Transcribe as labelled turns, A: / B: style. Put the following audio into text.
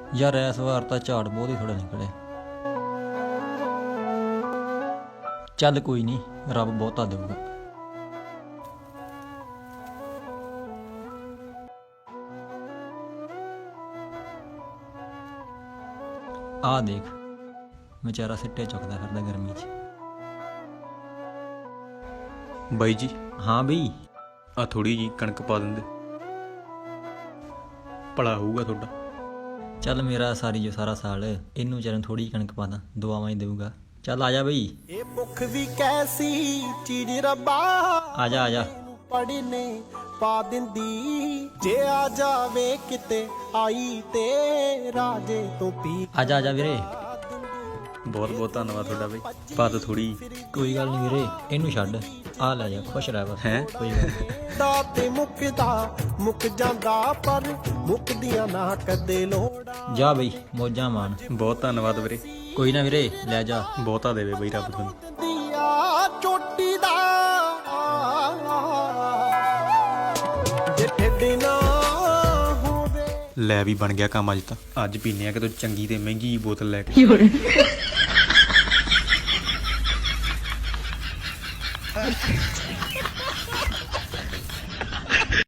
A: ਯਾਰ ਇਸ ਵਾਰ ਤਾਂ ਝਾੜ ਬਹੁਤ ਹੀ ਥੋੜਾ ਨਿਕਲਿਆ। ਚੱਲ ਕੋਈ ਨਹੀਂ, ਰੱਬ ਬਹੁਤਾ ਦੇਊਗਾ। ਆ ਦੇਖ ਵਿਚਾਰਾ ਸਿੱਟੇ ਚੁੱਕਦਾ ਫਿਰਦਾ ਗਰਮੀ 'ਚ।
B: ਬਾਈ ਜੀ
A: ਹਾਂ ਬਈ,
B: ਆ ਥੋੜੀ ਜੀ ਕਣਕ ਪਾ ਦਿੰਦੇ, ਭਲਾ ਹੋਊਗਾ ਤੁਹਾਡਾ।
A: ਚੱਲ ਮੇਰਾ ਸਾਰੀ ਜੋ ਸਾਰਾ ਸਾਲ ਇਹਨੂੰ ਵਿਚਾਰੇ ਥੋੜੀ ਜਿਹੀ ਕਣਕ ਪਾ ਦਾਂ, ਦੁਆਵਾਂ ਹੀ ਦੇਊਗਾ। ਚੱਲ ਆ ਜਾ ਬਈ,
C: ਇਹ ਭੁੱਖ ਵੀ ਕੈਸੀ ਚੀਜ਼ ਰੱਬਾ,
A: ਆ ਜਾ ਆ ਜਾ।
C: ਪੜਨੇ ਪਾ ਦਿੰਦੀ, ਜੇ ਆ ਜਾਵੇ ਕਿਤੇ ਆਈ ਤੇ ਰਾਜੇ ਤੋਂ ਪੀ।
A: ਆ ਜਾ ਆ ਜਾ ਵੀਰੇ।
B: ਬਹੁਤ ਬਹੁਤ ਧੰਨਵਾਦ ਤੁਹਾਡਾ ਬਈ, ਪਾ ਦੋ ਥੋੜੀ।
A: ਕੋਈ ਗੱਲ ਨਹੀਂ ਵੀਰੇ, ਇਹਨੂੰ ਛੱਡ, ਆ ਲੈ ਜਾ, ਖੁਸ਼ ਰਹਿ ਬਸ।
B: ਹੈਂ?
A: ਕੋਈ ਗੱਲ ਨੀ।
C: ਦਾ ਤੇ ਮੁੱਕਦਾ ਮੁੱਕ ਜਾਂਦਾ, ਪਰ ਮੁੱਕਦੀਆਂ ਨਾ ਕਦੇ ਲੋੜਾਂ।
A: ਜਾ ਬਈ, ਮੌਜਾਂ ਮਾਣ।
B: ਬਹੁਤ ਧੰਨਵਾਦ ਵੀਰੇ,
A: ਕੋਈ ਨਾ ਵੀਰੇ, ਲੈ ਜਾ।
B: ਬਹੁਤਾ ਦੇਵੇ ਬਈ ਰੱਬ ਤੁਹਾਨੂੰ।
C: ਦਿਆ ਚੋਟੀ ਦਾ ਜੇ ਢਿੱਡ ਨਾ ਹੋਵੇ।
B: ਲੈ ਵੀ ਬਣ ਗਿਆ ਕੰਮ ਅੱਜ ਤਾਂ। ਅੱਜ ਪੀਨੇ ਆ ਕਿਤੋਂ ਚੰਗੀ ਤੇ ਮਹਿੰਗੀ ਬੋਤਲ ਲੈ ਕੇ।